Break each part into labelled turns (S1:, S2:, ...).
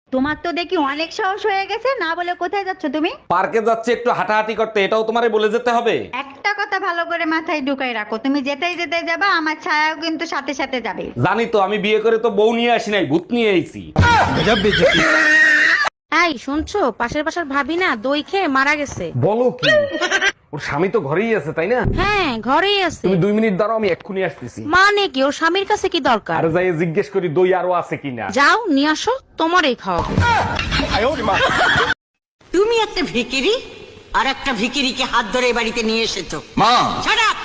S1: তোমার তো দেখি অনেক সাহস হয়ে গেছে, না বলে কোথায় যাচ্ছ তুমি?
S2: পার্কে যাচ্ছে একটু হাঁটাহাঁটি করতে, এটাও তোমারে বলে যেতে হবে?
S1: একটা কথা ভালো করে মাথায় ঢুকাই রাখো, তুমি যেতেই যেতে যাবা, আমার ছায়াও কিন্তু সাথে সাথে যাবে।
S2: জানি তো, আমি বিয়ে করে তো বউ নিয়ে আসি নাই, ভূত নিয়ে আইছি।
S3: এই শুনছো, পাশের বাসার ভাবি না দই খেয়ে মারা গেছে।
S2: বলো কি? ওর স্বামী তো ঘরেই আছে, তাই না?
S3: হ্যাঁ ঘরেই আছে।
S2: তুমি 2 মিনিট দাঁড়াও, আমি এক্ষুনি আসতেছি।
S3: মানে কি, ওর স্বামীর কাছে কি দরকার?
S2: আর যাই জিজ্ঞেস করি দই আরো আছে কিনা।
S3: যাও নিয়ে আসো, তোমারই খাওয়াবো।
S4: তুমি একটা ভিকিরি আর একটা ভিকিরিকে হাত ধরে এ বাড়িতে নিয়ে এসেছো।
S5: মা,
S4: Shut up!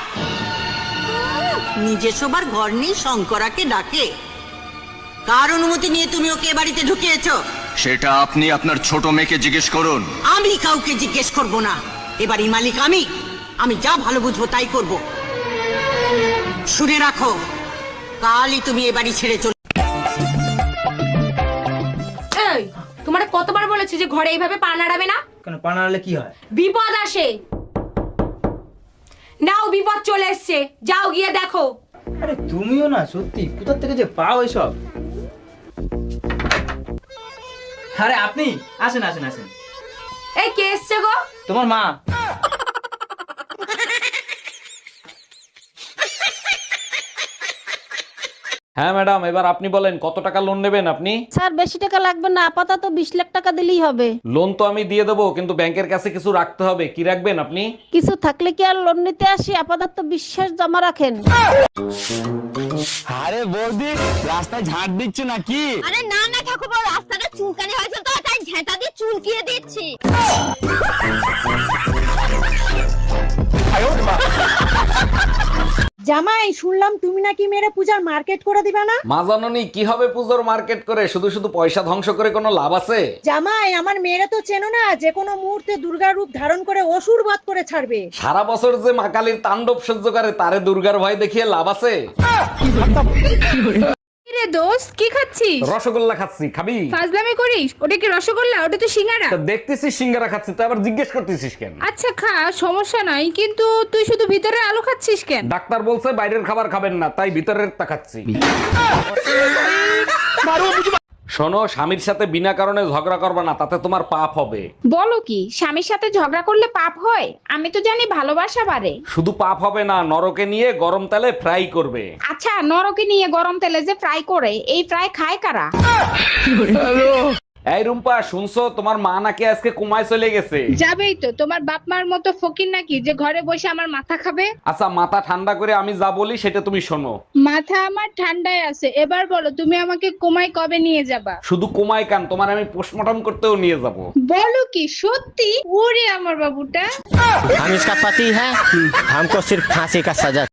S4: নিজে শোবার ঘর নেই, শঙ্করাকে ডাকে। কার অনুমতি নিয়ে তুমি ওকে এ বাড়িতে ঢুকিয়েছো?
S5: সেটা আপনি আপনার ছোট মেয়েকে জিজ্ঞেস করুন।
S4: আমি কাউকে জিজ্ঞেস করব না, এ বাড়ির মালিক আমি যা ভালো বুঝবো তাই করব। শুনে রাখো, কালই তুমি এ বাড়ি ছেড়ে চলে।
S6: এই, তোমারে কতবার বলেছি যে ঘরে এইভাবে পা নাড়াবে না?
S7: কেন পা নাড়ালে কি হয়?
S6: বিপদ আসে। নাও, বিপদ চলে এসছে, যাও গিয়ে দেখো।
S7: আরে তুমিও না, সত্যি কোথা থেকে যে পাও এসব? আরে আপনি আসেন আসেন আসেন।
S6: এই কে এসছে গো?
S7: তোমার মা।
S2: হ্যাঁ ম্যাডাম, এবার আপনি বলেন কত টাকা লোন নেবেন আপনি?
S3: স্যার বেশি টাকা লাগবে না, আপাতত 20 লাখ টাকা দিলেই হবে।
S2: লোন তো আমি দিয়ে দেবো, কিন্তু ব্যাংকের কাছে কিছু রাখতে হবে। কি রাখবেন আপনি?
S3: কিছু থাকলে কি আর লোন নিতে আসি? আপাতত বিশ্বাস জমা রাখেন।
S8: আরে বৌদি, রাস্তায় ঝাড় দিচ্ছ নাকি?
S9: আরে না না ঠাকুরপো, রাস্তাটা চুলকানি হয়েছে তো তাই ঝেঁটা দিয়ে চুলকিয়ে দিচ্ছি।
S3: জামাই, শুনলাম তুমি নাকি মেরে পূজার মার্কেট করে দিবে না?
S2: মা জাননি কি হবে পুজোর মার্কেট করে, শুধু শুধু পয়সা ধ্বংস করে কোনো লাভ আছে?
S3: জামাই, আমার মেয়েরা তো চেনো না, যে কোনো মুহূর্তে দুর্গার রূপ ধারণ করে অসুর বধ করে ছাড়বে।
S2: সারা বছর যে মা কালীর তাণ্ডব সহ্য করে, তারে দুর্গার ভয় দেখিয়ে লাভ আছে?
S6: রে দোস্ত, কি খাচ্ছিস?
S2: রসগোল্লা খাচ্ছি, খাবি?
S6: ফাজলামি করিস? ওটা কি রসগোল্লা? ওটা তো সিঙ্গারা।
S2: তা দেখতেছিস সিঙ্গারা খাচ্ছি, তো আবার জিজ্ঞেস করতেছিস কেন?
S6: আচ্ছা খা, সমস্যা নাই, কিন্তু তুই শুধু ভিতরে আলু খাচ্ছিস কেন?
S2: ডাক্তার বলছে বাইরের খাবার খাবেন না, তাই ভিতরের তা খাচ্ছি। শোনো, স্বামীর সাথে বিনা কারণে ঝগড়া করবে না, তাতে তোমার পাপ হবে।
S6: বলো কি, স্বামীর সাথে ঝগড়া করলে পাপ হয়? আমি তো জানি ভালোবাসা বাড়ে।
S2: শুধু পাপ হবে না, নরকে নিয়ে গরম তেলে ফ্রাই করবে।
S6: আচ্ছা, নরকে নিয়ে গরম তেলে যে ফ্রাই করে, এই ফ্রাই খায় কারা?
S2: এই রুম্পা, শুনছো তোমার মা নাকি আজকে কুমায় চলে গেছে?
S6: যাবেই তো, তোমার বাপ মার মতো ফকির নাকি যে ঘরে বসে আমার মাথা খাবে?
S2: আচ্ছা, মাথা ঠান্ডা করে আমি যা বলি সেটা তুমি শোনো।
S6: মাথা আমার ঠান্ডায় আছে, এবার বলো তুমি আমাকে কোমায় কবে নিয়ে যাবা?
S2: শুধু কুমায় কান, তোমার আমি পোস্টমর্টম করতেও নিয়ে যাব।
S6: বলো কি সত্যি? ওরে আমার বাবুটা।
S8: हम इसका पति है, हमको सिर्फ फांसी का सजा